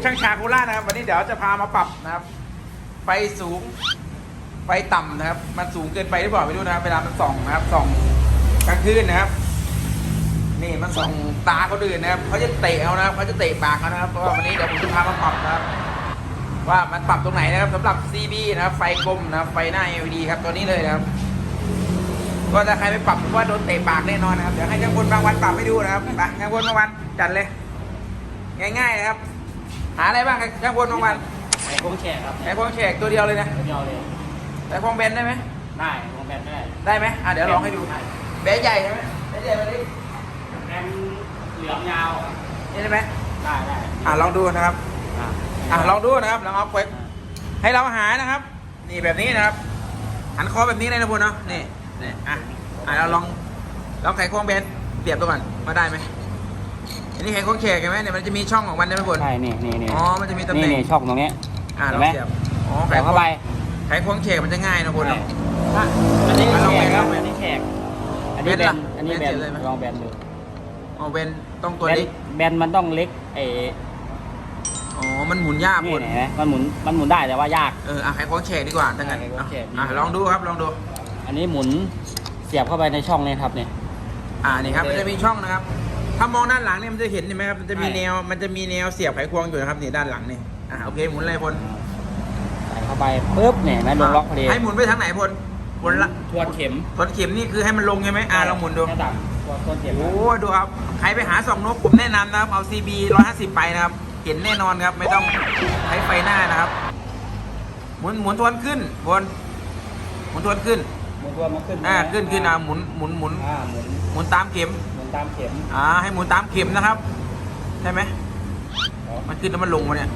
ช่างชาโคราชนะครับวันนี้เดี๋ยวจะพามาปรับนะครับไฟสูงไฟต่ำนะครับมันสูงเกินไปหรือเปล่าไม่รู้นะครับเวลามันส่องนะครับส่องกลางคืนนะครับนี่มันส่องตาเขาดื่นนะครับเขาจะเตะเอานะครับเขาจะเตะปากเขานะครับเพราะว่าวันนี้เดี๋ยวผมจะพามาปรับนะครับว่ามันปรับตรงไหนนะครับสำหรับ CB นะครับไฟกลมนะครับไฟหน้า LED ครับตัวนี้เลยนะครับก็ถ้าใครไม่ปรับผมว่าโดนเตะปากแน่นอนนะครับเดี๋ยวให้ช่างพลบางวันปรับให้ดูนะครับไปช่างพลบางวันจัดเลยง่ายๆนะครับหาอะไรบ้างช่างพลบางวันไข่โค้งแฉกครับไข่ควงแฉกตัวเดียวเลยนะตัวเดียวเลยไข่ควงเบนได้ไหมได้วงแบนได้ได้ไหมเดี๋ยวลองให้ดูเบนใหญ่ใช่ไหมเบนใหญ่มาดิแบนเหลืองยาวนี่ได้ไหมได้ลองดูนะครับลองดูนะครับลองเอาเควกให้เราหานะครับนี่แบบนี้นะครับหันคอแบบนี้เลยนะพลเนาะนี่เราลองไข่ควงเบนเปรียบตัวก่อนมาได้ไหมอันนี้ไข่ควงแฉกใช่ไหมเนี่ยมันจะมีช่องของมันใช่ไหมพลใช่นี่อ๋อมันจะมีตำแหน่งนี่ช่องตรงนี้เราเสียบอ๋อไข่เข้าไปไข่ควงแฉกมันจะง่ายนะพลเนาะอันนี้แฉกครับอันนี้แฉกอันนี้แบนลองแบนดูอ๋อเบนต้องตัวเล็กแบนมันต้องเล็กอ๋อมันหมุนยากพลนี่เห็นไหมมันหมุนได้แต่ว่ายากไข่ควงแฉกดีกว่าทั้งนั้นลองดูครับลองดูอันนี้หมุนเสียบเข้าไปในช่องนี้ครับเนี่ยนี่ครับมันจะมีช่องนะครับถ้ามองด้านหลังเนี่ยมันจะเห็นเห็นไหมครับมันจะมีแนวเสียบไขควงอยู่นะครับนี่ด้านหลังนี่โอเคหมุนเลยพลใส่เข้าไปปุ๊บเนี่ยนะลงล็อกพอดีให้หมุนไปทางไหนพลละทวนเข็มนี่คือให้มันลงใช่ไหมลองหมุนดูทวนเข็มโอ้ดูครับใครไปหาส่องนกผมแนะนำนะครับเอา CB 150ไปนะครับเห็นแน่นอนครับไม่ต้องใช้ไฟหน้านะครับหมุนทวนขึ้นพลหมุนทวนขึ้นหมุนทวนมาขึ้นขึ้นหมุนตามเข็มให้หมุนตามเข็มนะครับใช่ไหมมันขึ้นแล้วมันลงมาเนี่ย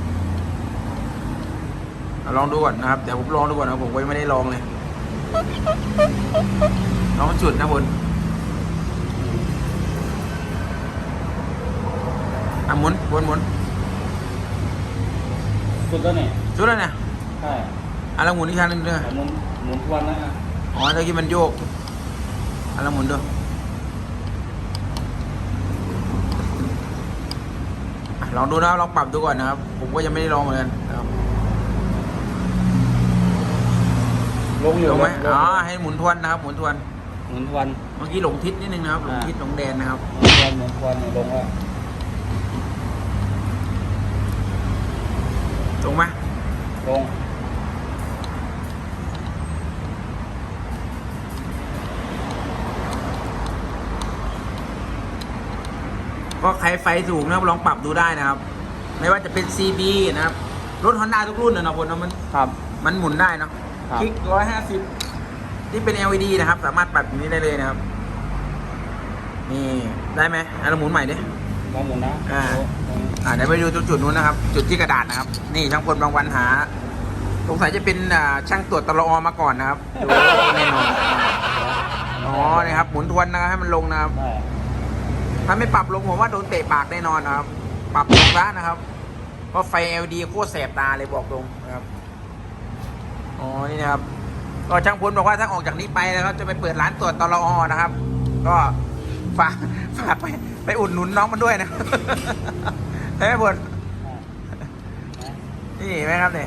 ลองดูก่อนนะครับเดี๋ยวผมลองดูก่อนนะผมก็ไม่ได้ลองเลยลองจุดนะบนหมุนจุดแล้วเนี่ยใช่เราหมุนอีกครั้งนึงด้วยหมุนทวนนะอ๋อตะกี้มันโยกเราหมุนด้วยลองดูนะลองปรับดูก่อนนะครับผมก็ยังไม่ได้ลองเหมือนกันนะครับลงอยู่ไหมให้หมุนทวนนะครับหมุนทวนเมื่อกี้หลงทิศนิดนึงนะครับหลงทิศหลงแดนนะครับหมุนทวนลงแล้วลงไหมลงก็ใครไฟสูงนะครับลองปรับดูได้นะครับไม่ว่าจะเป็น CB นะครับรถ Honda ทุกรุ่นนะพลมันหมุนได้เนาะคลิก150ที่เป็น LED นะครับสามารถปรับอย่างนี้ได้เลยนะครับนี่ได้ไหมเราหมุนใหม่ดิลองหมุนนะเดี๋ยวไปดูจุดนู้นนะครับจุดที่กระดาษนะครับนี่ช่างพลบางวันหาสงสัยจะเป็นช่างตรวจตลอมาก่อนนะครับดูแน่นอนนี่ครับหมุนทวนนะครับให้มันลงนะครับถ้าไม่ปรับลงผมว่าโดนเตะปากแน่นอนนะครับปรับลงซะนะครับเพราะไฟ LED โคตรแสบตาเลยบอกตรงนะครับนี่นะครับก็ช่างพลบอกว่าถ้าออกจากนี้ไปแล้วจะไปเปิดร้านตรวจตลอนะครับก็ฝากไปอุดหนุนน้องมันด้วยนะใช่ไหมพลนี่ไหมครับเนี่ย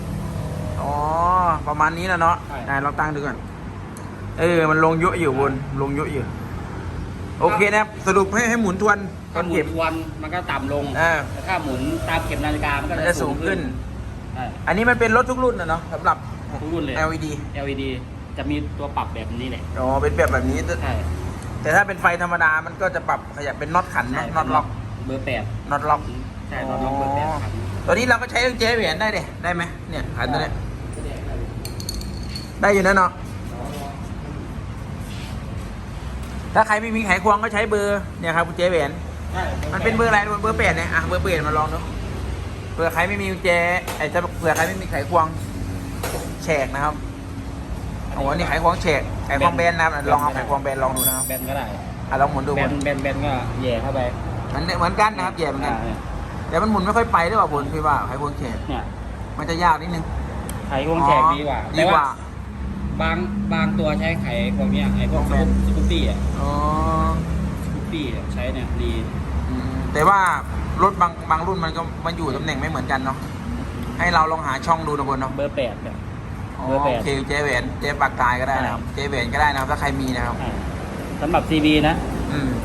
ประมาณนี้นะเนาะเราตั้งดูก่อนมันลงเยอะอยู่บนลงเยอะอยู่โอเคนะครับสรุปให้หมุนทวนถ้าหมุนทวนมันก็ต่ำลงแต่ถ้าหมุนตามเข็มนาฬิกามันก็จะสูงขึ้นอันนี้มันเป็นรถทุกรุ่นนะเนาะสำหรับทุกรุ่นเลย LED จะมีตัวปรับแบบนี้แหละเป็นแบบนี้ใช่แต่ถ้าเป็นไฟธรรมดามันก็จะปรับขยับเป็นน็อตขันน็อตล็อกเบอร์8 น็อตล็อกใช่น็อตล็อกเบอร์8 ตัวนี้เราก็ใช้เจ๊เหรียญได้ไหมเนี่ยขันตัวนี้ได้อยู่นะเนาะถ้าใครไม่มีไขควงก็ใช้เบอร์เนี่ยครับกุญแจแหวนมันเป็นเบอร์อะไรเบอร์8เนี่ยเบอร์8มาลองดูเผื่อใครไม่มีกุญแจเผื่อใครไม่มีไขควงแฉกนะครับนี่ไขควงแฉกไขควงแบนนะครับลองเอาไขควงแบนลองดูนะครับแบนก็ได้ลองหมุนดูแบนก็แย่เข้าไปมันเหมือนกันนะครับแย่เหมือนกันแต่มันหมุนไม่ค่อยไปหรือเปล่าผมคิดว่าไขควงแฉกเนี่ยมันจะยากนิดนึงไขควงแฉกดีกว่าบางตัวใช้ไขควงเนี้ยไขควงสกูปปี้สกูปปี้ใช้เนี่ยดีแต่ว่ารถบางรุ่นมันก็มันอยู่ตำแหน่งไม่เหมือนกันเนาะให้เราลองหาช่องดูนะบนเนาะเบอร์ 8ครับอ๋อเบอร์โอ 8 เคเจเวนเจปากตายก็ได้นะครับเจเวนก็ได้นะครับถ้าใครมีนะครับสำหรับ CB นะอืม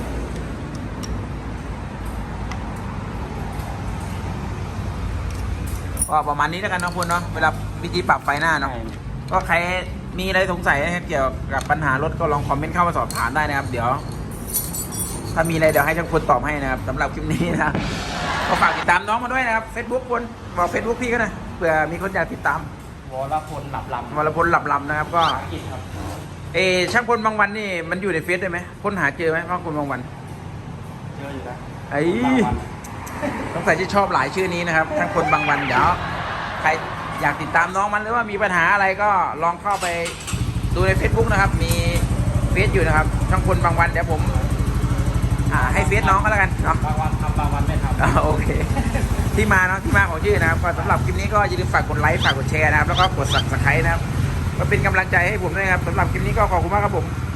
ก็ประมาณนี้แล้วกันเนาะคุณเนาะเวลาวิธีปรับไฟหน้าเนาะ ก็ใครมีอะไรสงสัยนะครับเกี่ยวกับปัญหารถก็ลองคอมเมนต์เข้ามาสอบถามได้นะครับ เดี๋ยว ถ้ามีอะไรเดี๋ยวให้ช่างพลตอบให้นะครับสำหรับคลิปนี้นะครับก็ฝากติดตามน้องมาด้วยนะครับ Facebook คนบอก Facebook พี่ก็นะเผื่อมีคนอยากติดตามวรพลหลับลำวรพลหลับลำนะครับ ก็ภาษาอังกฤษครับช่างพลบางวันนี่มันอยู่ในเฟซได้ไหมค้นหาเจอไหมช่างพลบางวันเยอะอยู่นะไอ้บางวันสงสัยจะชอบหลายชื่อนี้นะครับช่างพลบางวันเดี๋ยวใครอยากติดตามน้องมันหรือว่ามีปัญหาอะไรก็ลองเข้าไปดูใน Facebook นะครับ มีเฟซอยู่นะครับช่างพลบางวันเดี๋ยวผมให้เฟซน้องก็แล้วกันเนาะบางวันทำบางวันไม่ทำโอเค ที่มาเนาะที่มาของชื่อนะครับก็สำหรับคลิปนี้ก็อย่าลืมฝากกดไลค์ฝากกดแชร์นะครับแล้วก็กด Subscribe นะครับก็เป็นกำลังใจให้ผมด้วยนะครับสำหรับคลิปนี้ก็ขอบคุณมากครับผม